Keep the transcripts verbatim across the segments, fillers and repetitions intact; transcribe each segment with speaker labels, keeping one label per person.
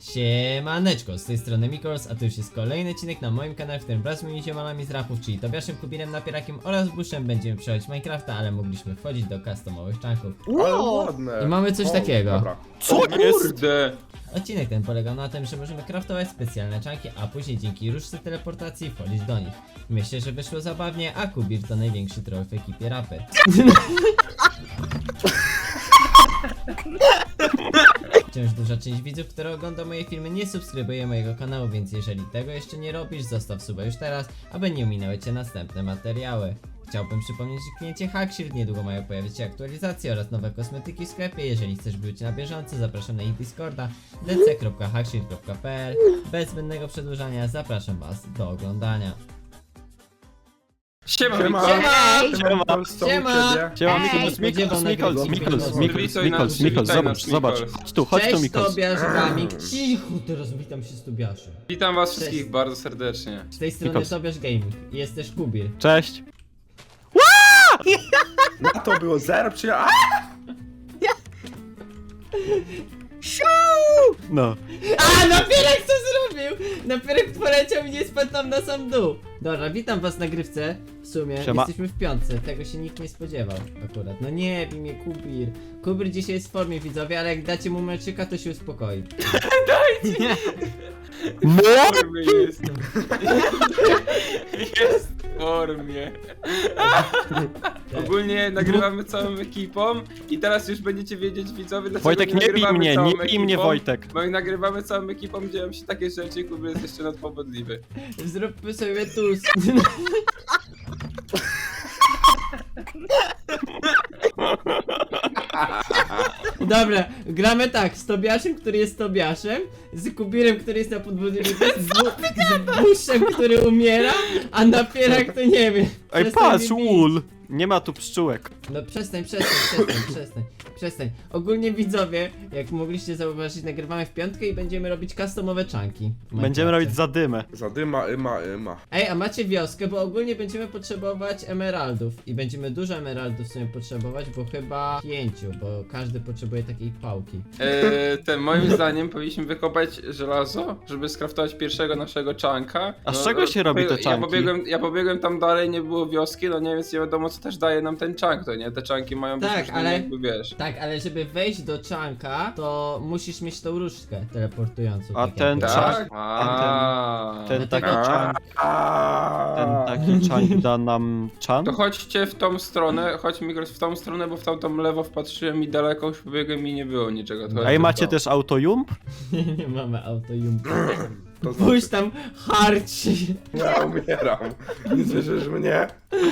Speaker 1: Siemaneczko, z tej strony Mikols, a to już jest kolejny odcinek na moim kanale, w którym wraz z moimi ziomalami z rapów, czyli Tobiaszem, Kubirem, Napierakiem oraz Buszem będziemy przechodzić Minecrafta, ale mogliśmy wchodzić do customowych czanków.
Speaker 2: Ale ładne.
Speaker 1: I mamy coś
Speaker 2: O,
Speaker 1: takiego.
Speaker 2: Dobra.
Speaker 3: Co
Speaker 2: O,
Speaker 3: jest?
Speaker 2: Kurde.
Speaker 1: Odcinek ten polegał na tym, że możemy craftować specjalne czanki, a później dzięki różdżce teleportacji wchodzić do nich. Myślę, że wyszło zabawnie, a Kubir to największy troll w ekipie rapy. Wciąż duża część widzów, które ogląda moje filmy, nie subskrybuje mojego kanału, więc jeżeli tego jeszcze nie robisz, zostaw suba już teraz, aby nie ominęły cię następne materiały. Chciałbym przypomnieć, że w kliencie Hackshield niedługo mają pojawić się aktualizacje oraz nowe kosmetyki w sklepie. Jeżeli chcesz być na bieżąco, zapraszam na ich Discorda d c kropka hackshield kropka p l. Bez zbędnego przedłużania zapraszam was do oglądania.
Speaker 2: Siema,
Speaker 3: Siema.
Speaker 2: Siema.
Speaker 3: Siema.
Speaker 2: Co u
Speaker 1: Siema.
Speaker 2: ciebie?
Speaker 3: Siema,
Speaker 1: Ej!
Speaker 3: Mikols, Mikols, Mikols, Mikols, Mikols,
Speaker 2: Witaj nas,
Speaker 3: Mikols, Mikols,
Speaker 2: witaj
Speaker 3: zobacz,
Speaker 2: nas,
Speaker 3: zobacz.
Speaker 2: Mikols.
Speaker 3: Chodź tu, chodź tu,
Speaker 1: Cześć
Speaker 3: Mikols.
Speaker 1: Tobiasz, Gaming. Cicho, teraz witam się z Tobiaszem.
Speaker 2: Witam was
Speaker 1: Cześć.
Speaker 2: wszystkich bardzo serdecznie.
Speaker 1: Z tej strony
Speaker 3: Mikols.
Speaker 1: Tobiasz Gaming. Jest też Kubir.
Speaker 3: Cześć.
Speaker 2: Na to było zero przyja...
Speaker 3: No.
Speaker 1: A, Napierek co zrobił? Napierek poleciał i nie spadł tam na sam dół. Dobra, witam was na grywce. W sumie
Speaker 3: Siema.
Speaker 1: jesteśmy w piątce, tego się nikt nie spodziewał akurat. No nie, w imię Kubir. Kubir dzisiaj jest w formie, widzowie, ale jak dacie mu meczyka, to się uspokoi.
Speaker 3: No!
Speaker 2: formie jest. Jest w formie. Ogólnie nagrywamy całą ekipą i teraz już będziecie wiedzieć, widzowie, dlaczego
Speaker 3: Wojtek, nie bij
Speaker 2: nagrywamy
Speaker 3: mnie,
Speaker 2: całą
Speaker 3: nie bij mnie,
Speaker 2: ekipą.
Speaker 3: Wojtek.
Speaker 2: Bo jak nagrywamy całą ekipą, dzieją się takie rzeczy i Kubir jest jeszcze nadpobodliwy.
Speaker 1: Zróbmy sobie tu. Dobra, gramy tak, z Tobiaszem, który jest Tobiaszem, z Kubirem, który jest na podwójnym, z, z Buszem, który umiera, a Napierak to nie wiem.
Speaker 3: Ej,
Speaker 1: Przestań
Speaker 3: patrz,
Speaker 1: mnie bić.
Speaker 3: ul! Nie ma tu pszczółek.
Speaker 1: No przestań, przestań, przestań, przestań, przestań. Ogólnie widzowie, jak mogliście zauważyć, nagrywamy w piątkę i będziemy robić customowe czanki. w
Speaker 3: Będziemy
Speaker 1: Minecrafcie.
Speaker 3: robić zadymę.
Speaker 2: Zadyma, yma, yma.
Speaker 1: Ej, a macie wioskę, bo ogólnie będziemy potrzebować emeraldów i będziemy dużo emeraldów sobie potrzebować, bo chyba pięciu, bo każdy potrzebuje takiej pałki.
Speaker 2: Eee, ten, moim zdaniem powinniśmy wykopać żelazo, żeby skraftować pierwszego naszego czanka.
Speaker 3: A z
Speaker 2: No,
Speaker 3: czego się robi te
Speaker 2: Ja
Speaker 3: czanki?
Speaker 2: pobiegłem, ja pobiegłem tam dalej, nie było wioski, no nie, więc nie wiadomo co też daje nam ten czank, to nie? Te czanki mają być
Speaker 1: Tak,
Speaker 2: różne,
Speaker 1: ale-
Speaker 2: jakby wiesz.
Speaker 1: Tak, ale żeby wejść do czanka, to musisz mieć tą różdżkę teleportującą.
Speaker 3: A
Speaker 1: tak
Speaker 3: ten
Speaker 1: jakby.
Speaker 3: czank-
Speaker 2: Tak? A,
Speaker 3: Ten taki
Speaker 1: A.
Speaker 3: czank, ten taki czank da nam czan?
Speaker 2: To chodźcie w tą stronę, chodź Migros w tą stronę, bo w tamtą lewo wpatrzyłem i daleko już pobiegłem i nie było niczego. To
Speaker 3: Ej,
Speaker 2: chodźcie w
Speaker 3: macie
Speaker 2: to.
Speaker 3: też autojump?
Speaker 1: Nie, nie mamy autojumpa.
Speaker 2: To
Speaker 1: Pójdź tam harci.
Speaker 2: Ja umieram. Nie słyszysz mnie?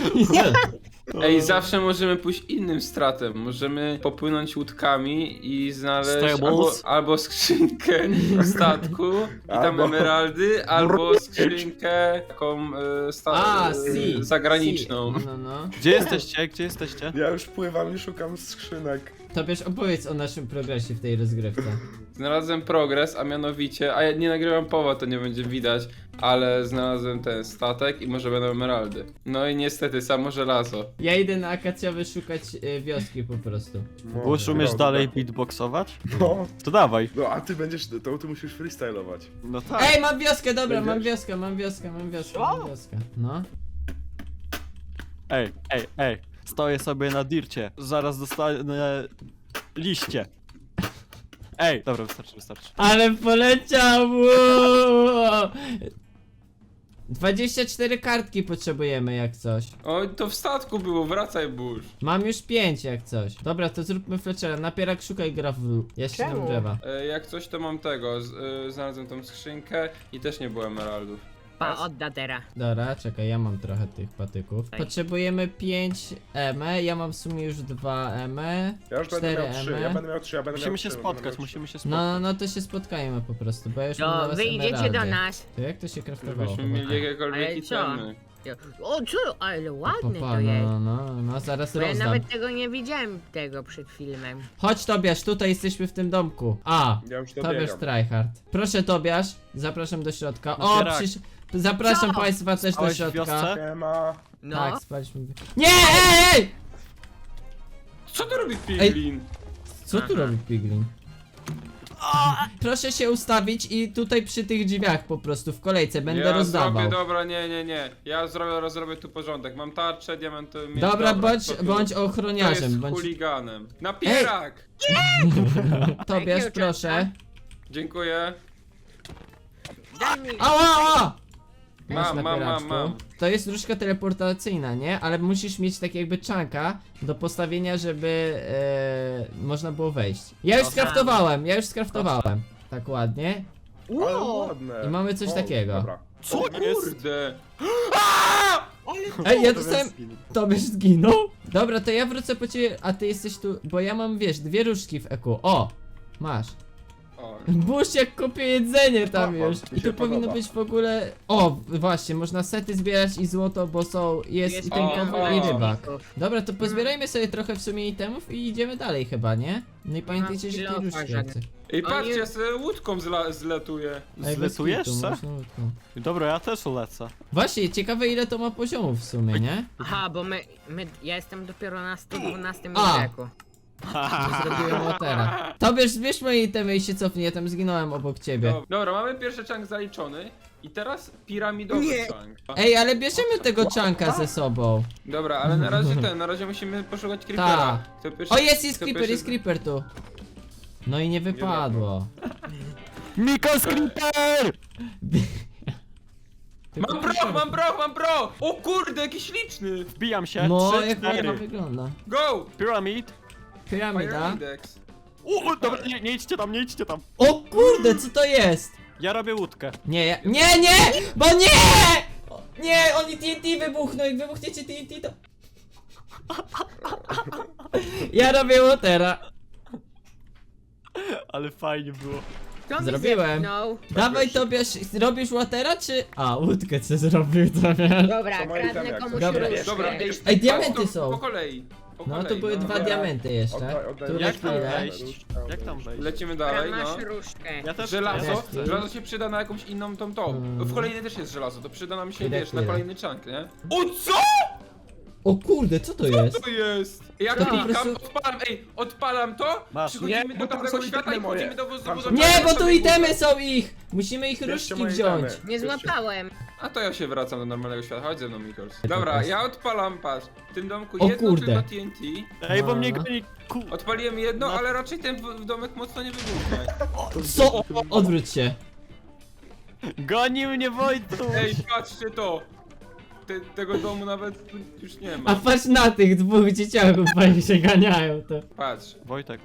Speaker 2: Ej, zawsze możemy pójść innym stratem. Możemy popłynąć łódkami i znaleźć albo,
Speaker 3: Stables.
Speaker 2: albo skrzynkę statku i tam
Speaker 4: Albo-
Speaker 2: emeraldy, albo skrzynkę taką e, sta-
Speaker 1: A,
Speaker 2: e,
Speaker 1: si.
Speaker 2: zagraniczną.
Speaker 1: Si. No, no.
Speaker 3: Gdzie jesteście? Gdzie jesteście?
Speaker 4: Ja już pływam i szukam skrzynek.
Speaker 1: Tobiasz, opowiedz o naszym progresie w tej rozgrywce.
Speaker 2: Znalazłem progres, a mianowicie, a ja nie nagrywam powa, to nie będzie widać, ale znalazłem ten statek i może będą emeraldy. No i niestety samo żelazo.
Speaker 1: Ja idę na akacjowy szukać y, wioski po prostu.
Speaker 4: No,
Speaker 3: Bush, umiesz
Speaker 4: dobra.
Speaker 3: dalej beatboxować?
Speaker 4: No,
Speaker 3: To dawaj.
Speaker 4: no a ty będziesz, to ty musisz freestylować.
Speaker 3: No tak.
Speaker 1: Ej, mam wioskę, dobra, mam
Speaker 4: Będziesz?
Speaker 1: wioskę, mam wioskę, mam wioskę, mam wioskę. No.
Speaker 3: Ej, ej, ej. Stoję sobie na dircie. Zaraz dostanę liście. Ej, dobra, wystarczy, wystarczy.
Speaker 1: Ale poleciał! Wow. dwadzieścia cztery kartki potrzebujemy jak coś.
Speaker 2: Oj, to w statku było, wracaj burz.
Speaker 1: Mam już pięć jak coś. Dobra, to zróbmy Fletchera. Napierak szukaj gravel. Ja się nam drzewa.
Speaker 2: E, jak coś to mam tego, z, e, znalazłem tą skrzynkę i też nie było emeraldów.
Speaker 5: Pa, odda teraz.
Speaker 1: Dobra, czekaj, ja mam trochę tych patyków.
Speaker 5: Daj.
Speaker 1: Potrzebujemy pięć emy, ja mam w sumie już dwa emy.
Speaker 4: Ja już będę
Speaker 1: cztery
Speaker 4: miał trzy,
Speaker 1: emy.
Speaker 4: ja będę miał trzy, ja będę
Speaker 3: Musimy
Speaker 4: miał
Speaker 3: się
Speaker 4: trzy, będę
Speaker 3: spotkać,
Speaker 4: miał trzy.
Speaker 3: musimy się
Speaker 1: No,
Speaker 3: spotkać.
Speaker 1: no, no to się spotkajmy po prostu, bo ja już mam dla
Speaker 5: To
Speaker 1: was
Speaker 5: wy idziecie
Speaker 1: emeraldy.
Speaker 5: do nas.
Speaker 1: To jak to się craftowało?
Speaker 2: Żebyśmy mieli
Speaker 1: chłopaki?
Speaker 2: jakiekolwiek
Speaker 5: Ale co?
Speaker 2: itemy.
Speaker 5: O, co? Ale ładne
Speaker 1: Papa,
Speaker 5: to jest.
Speaker 1: no, no, no, zaraz
Speaker 5: Bo ja
Speaker 1: rozdam.
Speaker 5: nawet tego nie widziałem tego przed filmem.
Speaker 1: Chodź Tobiasz, tutaj jesteśmy w tym domku. A,
Speaker 4: Ja już
Speaker 1: Tobiasz
Speaker 4: dobiegam.
Speaker 1: Tryhard. Proszę Tobiasz, zapraszam do środka. O,
Speaker 3: Napierak.
Speaker 1: przysz... Zapraszam
Speaker 5: Co?
Speaker 1: państwa też do
Speaker 3: Spałeś w
Speaker 1: środka.
Speaker 3: wiosce?
Speaker 4: Siema.
Speaker 5: No.
Speaker 1: Tak, spaliśmy. Nie, ej, ej!
Speaker 2: Co tu robi Piglin?
Speaker 1: Co tu
Speaker 5: Aha.
Speaker 1: robi Piglin? Proszę się ustawić i tutaj przy tych drzwiach po prostu w kolejce będę
Speaker 2: ja
Speaker 1: rozdawał.
Speaker 2: zrobię, dobra, nie, nie, nie. Ja zrobię, zrobię tu porządek. Mam tarczę, diamenty. miecz,
Speaker 1: Dobra, bądź,
Speaker 2: kto tu-
Speaker 1: bądź
Speaker 2: kto
Speaker 1: ochroniarzem,
Speaker 2: jest
Speaker 1: bądź...
Speaker 2: chuliganem. Napierak!
Speaker 1: Tobiasz,
Speaker 5: Jakiego
Speaker 1: proszę.
Speaker 2: Dziękuję.
Speaker 5: Daj mi...
Speaker 1: Ała, ała! Masz
Speaker 2: Mam, mam, mam,
Speaker 1: napieraczku.
Speaker 2: mam.
Speaker 1: To jest różdżka teleportacyjna, nie? Ale musisz mieć tak jakby czanka do postawienia, żeby e, można było wejść. Ja już
Speaker 3: Aha.
Speaker 1: skraftowałem, ja już skraftowałem. Tak ładnie.
Speaker 4: Ale
Speaker 5: Ło!
Speaker 4: ładne.
Speaker 1: I mamy coś
Speaker 4: O,
Speaker 1: takiego.
Speaker 4: Dobra.
Speaker 3: Co
Speaker 2: O
Speaker 3: jest?
Speaker 2: kurde.
Speaker 1: Ej, ja dostałem... Tobie zginął? Dobra, to ja wrócę po ciebie, a ty jesteś tu, bo ja mam, wiesz, dwie różdżki w eku. O! Masz.
Speaker 2: O,
Speaker 1: Burz jak kopie jedzenie tam
Speaker 4: O,
Speaker 1: już.
Speaker 4: mi
Speaker 1: I
Speaker 4: się
Speaker 1: tu powinno
Speaker 4: podoba.
Speaker 1: być w ogóle... O, właśnie, można sety zbierać i złoto, bo są... Jest,
Speaker 5: Jest
Speaker 1: i ten
Speaker 2: o,
Speaker 1: kowboj
Speaker 2: o.
Speaker 1: i rybak. Dobra, to pozbierajmy sobie trochę w sumie itemów i idziemy dalej chyba, nie? No i pamiętajcie, że
Speaker 5: kilofa
Speaker 1: tej różdżki
Speaker 5: żaden.
Speaker 1: chcę.
Speaker 2: Ej,
Speaker 5: Oni-
Speaker 2: patrzcie, ja sobie łódką zla zletuję.
Speaker 1: Ej, bez
Speaker 3: Zletujesz
Speaker 1: kitu,
Speaker 3: se?
Speaker 1: można łódką.
Speaker 3: Dobra, ja też lecę.
Speaker 1: Właśnie, ciekawe ile to ma poziomów w sumie, nie?
Speaker 5: Aha, bo my, my... Ja jestem dopiero na sto dwunastym
Speaker 1: A.
Speaker 5: wieku.
Speaker 1: To zrobiłem łotera. Tobie zbierz moje itemy i się cofnij, ja tam zginąłem obok ciebie.
Speaker 2: Dobra, dobra, mamy pierwszy chunk zaliczony. I teraz piramidowy
Speaker 5: Nie.
Speaker 2: chunk.
Speaker 1: Ej, ale bierzemy tego czanka ze sobą.
Speaker 2: Dobra, ale na razie ten, na razie musimy poszukać creepera.
Speaker 1: Ta.
Speaker 2: Kto pierwszy-
Speaker 1: O, jest, jest
Speaker 2: kto
Speaker 1: creeper,
Speaker 2: pierwszy-
Speaker 1: jest creeper tu. No i nie wypadło.
Speaker 3: Miko Creeper!
Speaker 2: Mam bro, mam bro, mam bro! O kurde, jaki śliczny!
Speaker 3: Wbijam się.
Speaker 1: No,
Speaker 3: Trzy,
Speaker 1: jak ładnie
Speaker 3: cztery.
Speaker 1: wygląda.
Speaker 2: Go!
Speaker 3: Pyramid.
Speaker 1: Piramida.
Speaker 2: Pyramidex.
Speaker 3: U, dobra, nie, nie idźcie tam, nie idźcie tam.
Speaker 1: O kurde, co to jest?
Speaker 3: Ja robię łódkę.
Speaker 1: Nie, ja... Nie, nie! Bo nie! O, nie, oni T N T wybuchną, jak wybuchniecie T N T to... Ja robię łotera.
Speaker 3: Ale fajnie było.
Speaker 5: Kto mi
Speaker 1: Zrobiłem.
Speaker 5: zepchnął?
Speaker 1: Dawaj Tobiasz, robisz łotera czy... A, łódkę co zrobił Tobiasz.
Speaker 5: Dobra,
Speaker 4: To moje
Speaker 5: kradnę
Speaker 4: itemy,
Speaker 5: komuś
Speaker 4: jak
Speaker 1: Dobra.
Speaker 5: różdżkę.
Speaker 2: Dobra, ej,
Speaker 1: Ej, diamenty
Speaker 2: patrz,
Speaker 1: są.
Speaker 2: Po kolei. Po
Speaker 1: No
Speaker 2: kolei,
Speaker 1: to były
Speaker 2: no.
Speaker 1: dwa diamenty jeszcze.
Speaker 4: Oddaj- oddaj
Speaker 1: Tu na
Speaker 3: Jak tam
Speaker 1: chwilę.
Speaker 3: wejść? Jak tam wejść?
Speaker 2: Lecimy
Speaker 5: Dobra,
Speaker 2: dalej,
Speaker 5: masz
Speaker 2: no.
Speaker 5: różdżkę.
Speaker 3: Ja też
Speaker 2: Żelazo,
Speaker 1: chcę.
Speaker 2: żelazo się przyda na jakąś inną tą tą.
Speaker 1: Mm.
Speaker 2: W kolejnej też jest żelazo, to przyda nam się,
Speaker 1: Chwilę,
Speaker 2: wiesz, na
Speaker 1: chwilę.
Speaker 2: kolejny chunk, nie? O co?
Speaker 1: O kurde, co to jest?
Speaker 2: To jest? Jak
Speaker 1: To po
Speaker 2: klikam,
Speaker 1: prostu-
Speaker 2: odpalam, ej, odpalam to,
Speaker 3: Masz.
Speaker 2: przychodzimy
Speaker 4: Nie,
Speaker 2: do
Speaker 4: bo tam
Speaker 2: tamtego
Speaker 4: są
Speaker 2: świata i
Speaker 4: itemy moje.
Speaker 2: wchodzimy do wozu.
Speaker 4: Tam są-
Speaker 1: Nie, bo tu
Speaker 2: sobie
Speaker 1: itemy
Speaker 2: górę.
Speaker 1: są ich! Musimy ich
Speaker 4: Bierzcie
Speaker 1: różdżki
Speaker 4: moje
Speaker 1: wziąć.
Speaker 4: itemy.
Speaker 5: Nie
Speaker 4: Bierzcie.
Speaker 5: złapałem.
Speaker 2: A to ja się wracam do normalnego świata, chodź ze mną, Mikols.
Speaker 1: to
Speaker 2: Dobra,
Speaker 1: jest?
Speaker 2: ja odpalam, patrz, w tym domku
Speaker 1: O
Speaker 2: jedno
Speaker 1: kurde.
Speaker 2: tylko T N T.
Speaker 3: Ej, bo mnie
Speaker 1: No.
Speaker 3: goni ku...
Speaker 2: Odpaliłem jedno,
Speaker 3: No.
Speaker 2: ale raczej ten w, w domek mocno nie wybuchnie.
Speaker 1: Co? Odwróć się.
Speaker 3: Goni mnie Wojtu!
Speaker 2: Ej, patrzcie to! Te, tego domu nawet już nie
Speaker 1: A
Speaker 2: ma.
Speaker 1: patrz na tych dwóch dzieciaków, fajnie się ganiają to.
Speaker 2: Patrz.
Speaker 3: Wojtek,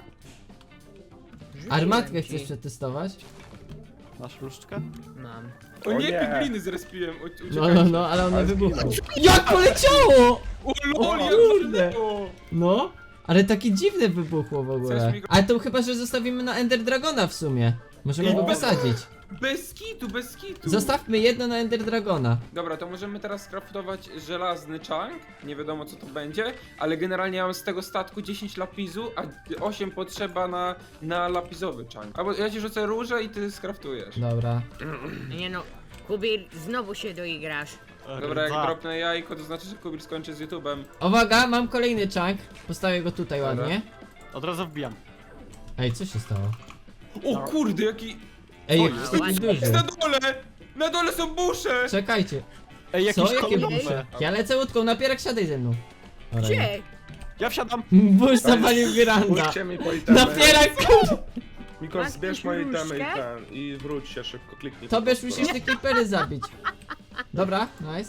Speaker 1: Armatkę
Speaker 5: Rzuciłem
Speaker 1: chcesz
Speaker 5: ci.
Speaker 1: przetestować?
Speaker 3: masz różdżkę?
Speaker 5: Mam.
Speaker 2: O
Speaker 4: O
Speaker 2: nie,
Speaker 4: nie.
Speaker 2: pigliny zrespiłem, u-
Speaker 1: No,
Speaker 2: uciekajcie.
Speaker 1: no, no, ale one
Speaker 4: Ale
Speaker 1: wybuchną.
Speaker 4: zginął.
Speaker 1: Jak poleciało!
Speaker 2: O lol,
Speaker 1: O
Speaker 2: jak
Speaker 1: kurde.
Speaker 2: walnęło.
Speaker 1: No, ale takie dziwne wybuchło w ogóle.
Speaker 2: Chcesz mi go-
Speaker 1: Ale to chyba, że zostawimy na Ender Dragona w sumie. Możemy go
Speaker 2: O.
Speaker 1: wysadzić.
Speaker 2: Bez kitu, bez kitu.
Speaker 1: Zostawmy jedno na Ender Dragona.
Speaker 2: Dobra, to możemy teraz skraftować żelazny chunk. Nie wiadomo co to będzie, ale generalnie ja mam z tego statku dziesięć lapisu, a osiem potrzeba na, na lapisowy chunk. Albo ja ci rzucę róże i ty skraftujesz.
Speaker 1: Dobra.
Speaker 5: Nie no, Kubir, znowu się doigrasz.
Speaker 2: Dobra, jak
Speaker 3: Dwa.
Speaker 2: dropnę jajko, to znaczy, że Kubir skończy z YouTube'em.
Speaker 1: Uwaga, mam kolejny chunk. Postawię go tutaj
Speaker 2: Dobra.
Speaker 1: ładnie.
Speaker 3: Od razu wbijam.
Speaker 1: Ej, co się stało?
Speaker 2: O kurde, jaki...
Speaker 1: Ej,
Speaker 2: O,
Speaker 1: jaki
Speaker 2: jest-
Speaker 1: taki duży.
Speaker 2: Jest na dole! Na dole są busze!
Speaker 1: Czekajcie.
Speaker 3: Ej,
Speaker 1: Co?
Speaker 3: jakiś
Speaker 1: Jakie
Speaker 3: kolorowe.
Speaker 1: busze? Ja lecę łódką, napierak siadaj ze mną. Dobra, nie.
Speaker 5: Gdzie?
Speaker 3: Ja wsiadam.
Speaker 1: Burz zapalił Miranda.
Speaker 4: Pójdźcie mi po itemy.
Speaker 1: Napierak!
Speaker 4: Mikol,
Speaker 5: Masz
Speaker 4: zbierz
Speaker 5: jakąś
Speaker 4: moje itemy i
Speaker 5: różdżkę?
Speaker 4: ten. I wróć się szybko, kliknij.
Speaker 1: Tobie
Speaker 4: po prostu.
Speaker 1: musisz te creepery zabić. Dobra, nice.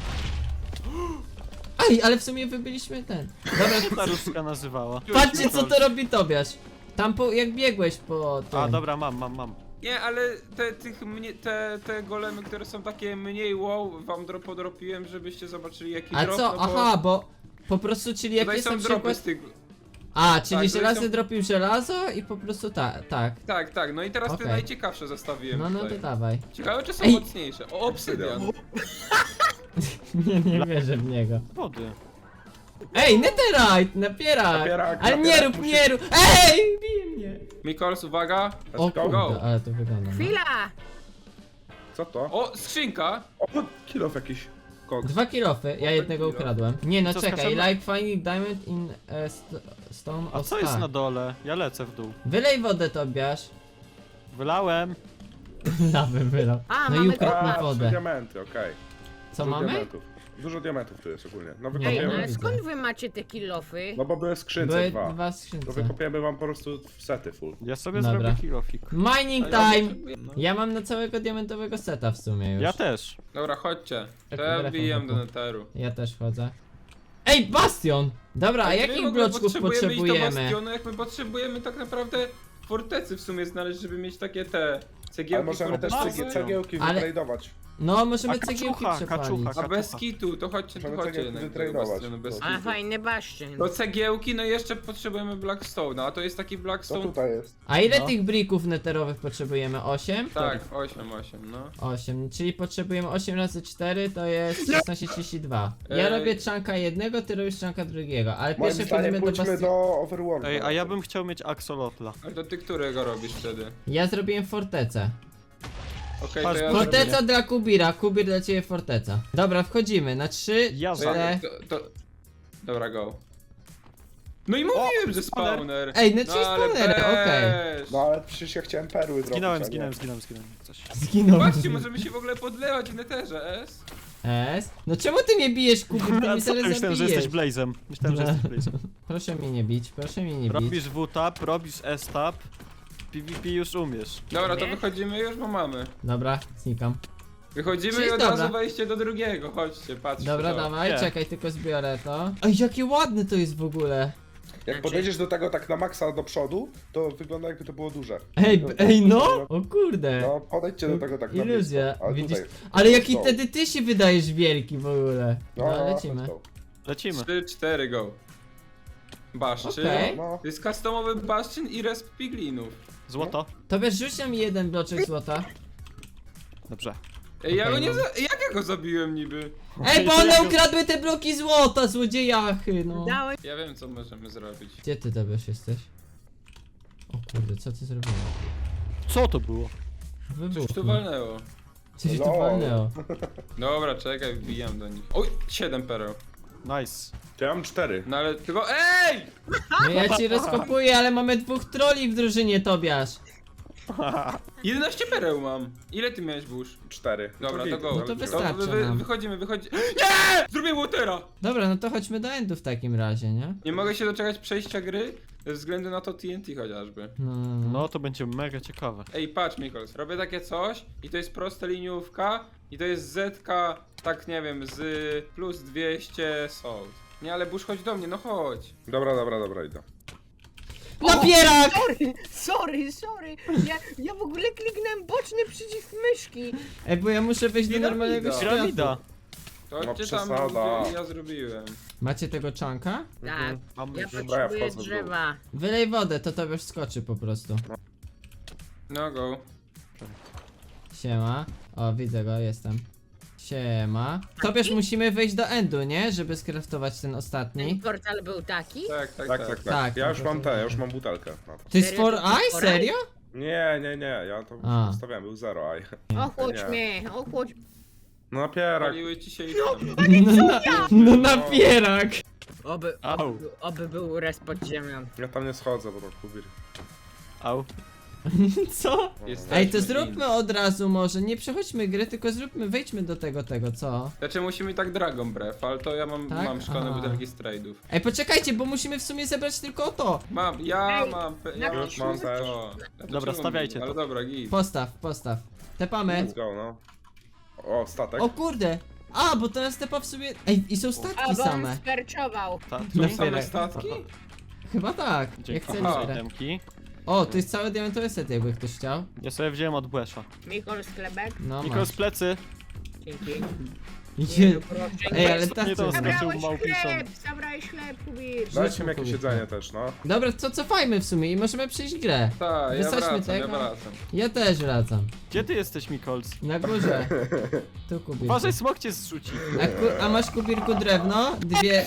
Speaker 1: Ej, ale w sumie wybyliśmy ten. Dobra,
Speaker 3: Ta różdżka nazywała.
Speaker 1: patrzcie co to robi Tobiasz. Tam po, jak biegłeś po tym.
Speaker 3: A, dobra, mam, mam, mam.
Speaker 2: Nie, ale te, tych mnie, te, te golemy, które są takie mniej wow, wam dro, podropiłem, żebyście zobaczyli jaki
Speaker 1: A
Speaker 2: drop,
Speaker 1: co?
Speaker 2: no bo
Speaker 1: Aha, bo po prostu, czyli jak
Speaker 2: tutaj
Speaker 1: jest
Speaker 2: są
Speaker 1: na
Speaker 2: dropy
Speaker 1: przykład...
Speaker 2: z tych...
Speaker 1: A, czyli
Speaker 2: Tak, tutaj
Speaker 1: żelazny
Speaker 2: są-
Speaker 1: dropił żelazo i po prostu tak, tak.
Speaker 2: Tak, tak, no i teraz
Speaker 1: Okej.
Speaker 2: te najciekawsze zostawiłem
Speaker 1: No, no
Speaker 2: tutaj.
Speaker 1: to dawaj.
Speaker 2: Ciekawe czy są
Speaker 1: Ej!
Speaker 2: mocniejsze. O, obsydian.
Speaker 1: Nie, nie wierzę w niego.
Speaker 3: Wody.
Speaker 1: Ej, netherite, napierak!
Speaker 4: Napierak,
Speaker 1: Ale nie
Speaker 4: napierak
Speaker 1: rób,
Speaker 4: musi-
Speaker 1: nie rób! Ej, bije mnie!
Speaker 2: Mikols, uwaga.
Speaker 1: O
Speaker 4: Let's go.
Speaker 1: kurde, ale to wygląda. No.
Speaker 5: Chwila!
Speaker 4: Co to?
Speaker 2: O, skrzynka.
Speaker 4: O, kilof jakiś. Koks.
Speaker 1: Dwa kilofy, ja jednego ukradłem. Nie no,
Speaker 3: Co,
Speaker 1: czekaj,
Speaker 3: skaczemy?
Speaker 1: like finding diamond in a st stone
Speaker 3: A
Speaker 1: of
Speaker 3: co jest
Speaker 1: star.
Speaker 3: na dole? Ja lecę w dół.
Speaker 1: Wylej wodę, Tobiasz.
Speaker 3: Wylałem.
Speaker 1: Lawę wylał.
Speaker 5: A,
Speaker 1: No i
Speaker 5: mamy
Speaker 1: ukradł mi
Speaker 4: A, trzy
Speaker 1: wodę.
Speaker 4: diamenty, okej.
Speaker 1: Co
Speaker 4: Dużo
Speaker 1: mamy?
Speaker 4: Diamentów. Dużo diamentów tu jest ogólnie. No
Speaker 1: Nie,
Speaker 5: Ej,
Speaker 1: nie
Speaker 5: no
Speaker 4: wykopiemy.
Speaker 5: ale
Speaker 1: widzę.
Speaker 5: skąd wy macie te kilofy?
Speaker 4: No bo były w skrzynce
Speaker 1: Były
Speaker 4: dwa.
Speaker 1: dwa
Speaker 4: To
Speaker 1: skrzynce.
Speaker 4: wykopiemy wam po prostu w sety full.
Speaker 3: Ja sobie
Speaker 1: Dobra.
Speaker 3: zrobię kilofik.
Speaker 1: Mining
Speaker 2: A ja
Speaker 1: time!
Speaker 2: potrzebuję- no.
Speaker 1: Ja mam na całego diamentowego seta w sumie już.
Speaker 3: Ja też.
Speaker 2: Dobra, chodźcie. To
Speaker 1: Tak,
Speaker 2: ja
Speaker 1: telefon
Speaker 2: wbijam do
Speaker 1: wokół.
Speaker 2: neteru.
Speaker 1: Ja też wchodzę. Ej, bastion! Dobra, a
Speaker 2: Ale my
Speaker 1: jakich
Speaker 2: w ogóle
Speaker 1: bloczków
Speaker 2: potrzebujemy iść do
Speaker 1: potrzebujemy?
Speaker 2: bastionu, jak my potrzebujemy tak naprawdę fortecy w sumie znaleźć, żeby mieć takie te cegiełki
Speaker 4: Ale możemy też
Speaker 2: fortecy.
Speaker 4: cegie- cegiełki
Speaker 1: Ale-
Speaker 4: wytradować.
Speaker 1: No, możemy
Speaker 3: A
Speaker 1: cegiełki
Speaker 3: kaczucha,
Speaker 1: przepalić.
Speaker 3: kaczucha.
Speaker 2: A bez kitu, to chodźcie, to
Speaker 4: Możemy
Speaker 2: chodźcie
Speaker 4: cegiełki
Speaker 2: jednak do tego
Speaker 4: wytradować.
Speaker 2: bastionu, bez
Speaker 5: A
Speaker 2: kitu.
Speaker 5: fajny baszczyn.
Speaker 2: Do cegiełki, no i jeszcze potrzebujemy Blackstone'a, a to jest taki
Speaker 4: Co
Speaker 2: Blackstone...
Speaker 4: tutaj jest?
Speaker 1: A ile
Speaker 3: No.
Speaker 1: tych brików neterowych potrzebujemy? osiem?
Speaker 2: Tak, osiem, osiem, no.
Speaker 1: osiem, czyli potrzebujemy osiem razy cztery to jest szesnaście trzydzieści dwa. Ja
Speaker 2: Ej.
Speaker 1: robię czanka jednego, ty robisz czanka drugiego, ale
Speaker 4: Moim
Speaker 1: pierwsze
Speaker 4: zdaniem
Speaker 1: pójdziemy do
Speaker 4: pójdźmy
Speaker 1: bastion.
Speaker 4: do Overworld.
Speaker 3: Ej, a ja bym chciał mieć axolotla.
Speaker 2: Ale to ty którego robisz wtedy?
Speaker 1: Ja zrobiłem fortecę.
Speaker 2: Okej,
Speaker 3: Patrz,
Speaker 2: to ja
Speaker 1: Forteca
Speaker 2: zrobię-
Speaker 1: dla Kubira, Kubir dla ciebie forteca. Dobra, wchodzimy na trzy,
Speaker 3: Ja
Speaker 2: To ja-
Speaker 1: cztery.
Speaker 2: to, to... Dobra, go. No i mówiłem, że
Speaker 3: spawner.
Speaker 2: spawner.
Speaker 1: Ej, no czyli
Speaker 2: ale
Speaker 1: spawnery, okej.
Speaker 2: weź.
Speaker 4: No ale przecież ja chciałem perły zrobić.
Speaker 3: Zginąłem,
Speaker 4: a nie.
Speaker 3: zginąłem, zginąłem, zginąłem. Coś.
Speaker 1: Zginął.
Speaker 2: Patrzcie, możemy się w ogóle podlewać w neterze, S.
Speaker 1: S? No czemu ty mnie bijesz, Kubir? Ty
Speaker 3: A
Speaker 1: mnie
Speaker 3: co,
Speaker 1: zaraz
Speaker 3: myślałem, że
Speaker 1: zabijesz.
Speaker 3: jesteś Blazem. Myślałem, że jesteś Blazem.
Speaker 1: Proszę mnie nie bić, proszę mnie nie bić.
Speaker 3: Robisz W-tap, robisz S-tap. PvP już umiesz.
Speaker 2: Dobra, to
Speaker 5: Nie?
Speaker 2: wychodzimy już, bo mamy.
Speaker 1: Dobra, znikam.
Speaker 2: Wychodzimy
Speaker 1: Czyli
Speaker 2: i od
Speaker 1: dobra.
Speaker 2: razu wejście do drugiego, chodźcie, patrzcie.
Speaker 1: Dobra,
Speaker 2: to.
Speaker 1: dawaj,
Speaker 3: Nie.
Speaker 1: czekaj, tylko zbiorę to. Ej, jakie ładne to jest w ogóle.
Speaker 4: Jak podejdziesz do tego tak na maksa do przodu, to wygląda jakby to było duże.
Speaker 1: Ej, b- ej, no! O kurde.
Speaker 4: No, podejdźcie do tego tak na
Speaker 1: Iluzja,
Speaker 4: blisko. Ale
Speaker 1: widzisz?
Speaker 4: tutaj.
Speaker 1: Ale jaki
Speaker 4: Stop.
Speaker 1: wtedy ty się wydajesz wielki w ogóle.
Speaker 4: No,
Speaker 1: No,
Speaker 4: no,
Speaker 1: lecimy.
Speaker 4: stop.
Speaker 3: Lecimy.
Speaker 2: trzy, cztery, go. Baszczyn.
Speaker 1: Okej.
Speaker 4: No,
Speaker 2: To jest customowy baszczyn i resp piglinów.
Speaker 3: Złoto.
Speaker 1: To wiesz, rzuć nam jeden bloczek złota.
Speaker 3: Dobrze.
Speaker 2: Ej, ja
Speaker 1: Okej,
Speaker 2: go nie
Speaker 1: no.
Speaker 2: za... Jak ja go zabiłem niby?
Speaker 1: Ej, bo
Speaker 3: to
Speaker 1: one
Speaker 3: ja go-
Speaker 1: ukradły te bloki złota, złodziejachy, no.
Speaker 5: Dałeś
Speaker 2: Ja wiem, co możemy zrobić.
Speaker 1: Gdzie ty Tobiasz jesteś? O kurde, co ty zrobiłeś?
Speaker 3: Co to było?
Speaker 2: Coś tu
Speaker 1: Wybuch.
Speaker 2: walnęło.
Speaker 1: Coś tu
Speaker 4: Lol.
Speaker 1: walnęło.
Speaker 2: Dobra, czekaj, wbijam do nich. Oj, siedem pereł.
Speaker 3: Nice.
Speaker 4: to ja mam cztery.
Speaker 2: No ale tylko... Ej!
Speaker 1: No ja ci rozkopuję, ale mamy dwóch troli w drużynie, Tobiasz.
Speaker 2: jedenaście pereł mam. Ile ty miałeś, burz?
Speaker 4: Cztery.
Speaker 2: Dobra,
Speaker 4: git,
Speaker 2: to go.
Speaker 1: No to
Speaker 4: ale
Speaker 1: wystarczy.
Speaker 2: To wy, wy,
Speaker 1: nam.
Speaker 2: wychodzimy, wychodzimy. Nie! Zrobię watera!
Speaker 1: Dobra, no to chodźmy do endu w takim razie, nie?
Speaker 2: Nie mogę się doczekać przejścia gry ze względu na to T N T chociażby.
Speaker 1: No, no, no.
Speaker 3: No to będzie mega ciekawe.
Speaker 2: Ej, patrz Mikols, robię takie coś i to jest prosta liniówka i to jest zetka, tak nie wiem, z plus dwieście salt. Nie, ale Bush, chodź do mnie, no chodź.
Speaker 4: Dobra, dobra, dobra, idę.
Speaker 1: Napierak!
Speaker 5: Sorry, sorry, sorry. Ja, ja w ogóle kliknąłem boczny przycisk myszki.
Speaker 1: Ej, bo ja muszę wejść do
Speaker 2: Piramida.
Speaker 1: normalnego świata.
Speaker 3: Piramida.
Speaker 2: To chodźcie
Speaker 4: No
Speaker 2: tam,
Speaker 4: przesada.
Speaker 2: gdzie ja zrobiłem.
Speaker 1: Macie tego czanka?
Speaker 5: Tak,
Speaker 3: Mamy
Speaker 5: ja
Speaker 3: już.
Speaker 4: Dobra, ja
Speaker 5: potrzebuję
Speaker 4: wchodzę w dół.
Speaker 5: drzewa.
Speaker 1: Wylej wodę, to Tobiasz skoczy po prostu.
Speaker 2: No go.
Speaker 1: Siema. O, widzę go, jestem. Siema. Tobiasz, musimy wejść do endu, nie? Żeby skraftować ten
Speaker 5: Ten
Speaker 1: ostatni.
Speaker 5: portal był taki?
Speaker 2: Tak, tak,
Speaker 4: Tak,
Speaker 2: tak.
Speaker 4: tak, tak.
Speaker 1: Tak,
Speaker 4: Ja już
Speaker 1: to
Speaker 4: mam te,
Speaker 1: to-
Speaker 4: ja już mam butelkę. na to.
Speaker 1: To jest
Speaker 5: Serio?
Speaker 1: for
Speaker 5: To jest
Speaker 1: eye?
Speaker 5: for
Speaker 1: Serio?
Speaker 4: Nie, nie, nie, ja to
Speaker 1: A.
Speaker 4: zostawiałem, był zero, aj.
Speaker 5: Ochłodź
Speaker 4: Nie.
Speaker 5: mnie, ochłodź.
Speaker 4: No napierak.
Speaker 2: Paliły ci się i
Speaker 1: No, na, no napierak!
Speaker 5: Oby,
Speaker 3: Au.
Speaker 5: oby, oby był res pod ziemią.
Speaker 4: Ja tam nie schodzę, bo to kubir.
Speaker 3: Au.
Speaker 1: Co?
Speaker 2: Jesteśmy
Speaker 1: Ej, to
Speaker 2: in.
Speaker 1: zróbmy od razu może, nie przechodźmy gry, tylko zróbmy, wejdźmy do tego, tego, co?
Speaker 2: Znaczy musimy tak Dragon Breath, ale to ja mam,
Speaker 1: Tak?
Speaker 2: mam szklane
Speaker 1: Aha.
Speaker 2: butelki z trade'ów.
Speaker 1: Ej, poczekajcie, bo musimy w sumie zebrać tylko to.
Speaker 2: Mam, ja
Speaker 5: Ej,
Speaker 2: mam, pe-
Speaker 5: na
Speaker 2: ja
Speaker 4: Już mam też.
Speaker 2: to. Ja to
Speaker 3: Dobra,
Speaker 2: czemu
Speaker 3: stawiajcie
Speaker 2: nie? Ale
Speaker 3: to.
Speaker 2: dobra, git.
Speaker 1: Postaw, postaw. Tepamy.
Speaker 4: Let's go, no. O, statek.
Speaker 1: O kurde! A, bo teraz tepa w sobie... Ej, i są
Speaker 5: A,
Speaker 1: statki
Speaker 5: bo on
Speaker 1: same.
Speaker 5: sperczował.
Speaker 3: Statki.
Speaker 1: Na
Speaker 2: Same
Speaker 1: Napierak.
Speaker 2: statki?
Speaker 1: Chyba tak, jak
Speaker 3: Dzięki.
Speaker 1: chcesz.
Speaker 2: Aha.
Speaker 3: Demki.
Speaker 1: O, to jest cały diamentowy set, jakby ktoś chciał.
Speaker 3: Ja sobie wziąłem od Błesza.
Speaker 5: Mikol sklebek.
Speaker 1: No
Speaker 3: Nikol
Speaker 1: masz.
Speaker 3: z plecy.
Speaker 5: Dzięki.
Speaker 1: Idzie...
Speaker 5: no proszę,
Speaker 1: Ej,
Speaker 5: nie.
Speaker 1: ale tak
Speaker 3: Nie, to
Speaker 1: co-
Speaker 3: skoczył
Speaker 5: Zabrałeś
Speaker 3: Małpiszon.
Speaker 5: chleb, zabrałeś chleb, Kubir.
Speaker 4: Dajcie mi jakieś
Speaker 1: Kubir.
Speaker 4: jedzenie też, no.
Speaker 1: Dobra, to cofajmy w sumie i możemy przejść grę.
Speaker 2: Tak, ja
Speaker 1: Wysadźmy
Speaker 2: wracam, ja
Speaker 1: tego.
Speaker 2: wracam.
Speaker 1: Ja też wracam.
Speaker 3: Gdzie ty jesteś, Mikols?
Speaker 1: Na górze. Tu kubirku.
Speaker 3: Uważaj, smok cię zrzuci.
Speaker 1: A, ku, a masz kubirku drewno? Dwie...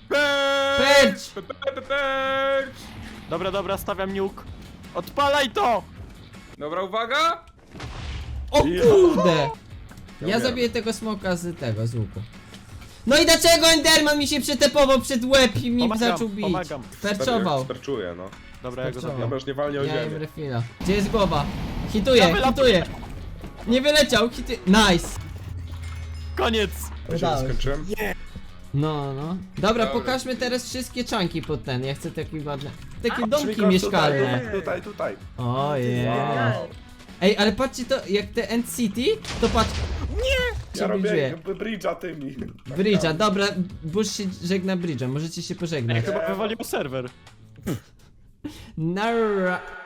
Speaker 2: Percz! Percz!
Speaker 3: Dobra, dobra, stawiam niuk. Odpalaj to!
Speaker 2: Dobra, uwaga!
Speaker 1: O kurde! Ja
Speaker 4: umieram.
Speaker 1: zabiję tego smoka z tego, z łuku. No i dlaczego Enderman mi się przetepował przed łeb i mi
Speaker 3: Pomagam,
Speaker 1: zaczął bić?
Speaker 3: pomagam.
Speaker 1: Perczował.
Speaker 4: Sterczuję, no.
Speaker 3: Dobra, ja go
Speaker 1: Skurczował.
Speaker 3: zabiję.
Speaker 4: Dobra, już nie walnie o
Speaker 1: Ja im
Speaker 4: ziemię.
Speaker 1: refila. Gdzie jest głowa? Hituję,
Speaker 3: Ja wylat-
Speaker 1: hituję. Nie wyleciał, hituję. Nice.
Speaker 3: Koniec!
Speaker 4: Ja się
Speaker 1: Udało się.
Speaker 4: skończyłem.
Speaker 1: No, no. Dobra,
Speaker 2: Dobra.
Speaker 1: pokażmy teraz wszystkie czanki pod ten. Ja chcę takie ładne. Takie
Speaker 5: A,
Speaker 1: domki
Speaker 4: Szybko,
Speaker 1: mieszkalne.
Speaker 4: Tutaj, tutaj, tutaj.
Speaker 1: O
Speaker 5: Wow.
Speaker 1: yeah. Ej, ale patrzcie to, jak te End City, to patrz.
Speaker 4: Ja robię
Speaker 1: Ciebie
Speaker 4: bridge'a tymi.
Speaker 1: Bridge'a, dobra, Bush się żegna Bridge'a, możecie się
Speaker 3: Ej,
Speaker 1: pożegnać.
Speaker 3: chyba wywaliło serwer.
Speaker 1: Nara.